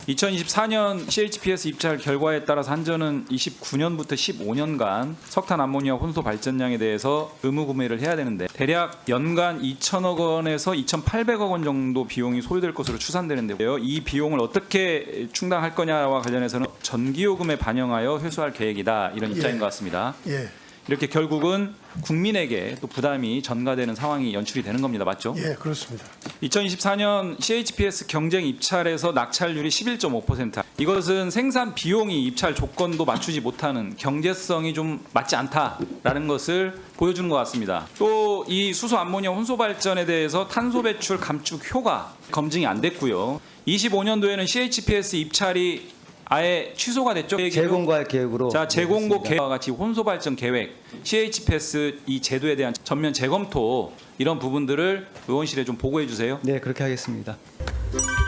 2024년 CHPS 입찰 결과에 따라서 한전은 29년부터 15년간 석탄 암모니아 혼소 발전량에 대해서 의무 구매를 해야 되는데 대략 연간 2천억 원에서 2,800억 원 정도 비용이 소요될 것으로 추산되는데요. 이 비용을 어떻게 충당할 거냐와 관련해서는 전기요금에 반영하여 회수할 계획이다, 이런 입장인 것 같습니다. 예, 이렇게 결국은 국민에게 또 부담이 전가되는 상황이 연출이 되는 겁니다. 맞죠? 예, 그렇습니다. 2024년 CHPS 경쟁 입찰에서 낙찰률이 11.5%. 이것은 생산 비용이 입찰 조건도 맞추지 못하는, 경제성이 좀 맞지 않다라는 것을 보여주는 것 같습니다. 또 이 수소 암모니아 혼소 발전에 대해서 탄소 배출 감축 효과 검증이 안 됐고요. 25년도에는 CHPS 입찰이 아예 취소가 됐죠. 재공고할 계획으로. 자, 재공고 되겠습니다. 계획과 같이 혼소 발전 계획, CHPS 이 제도에 대한 전면 재검토, 이런 부분들을 의원실에 좀 보고해 주세요. 네, 그렇게 하겠습니다.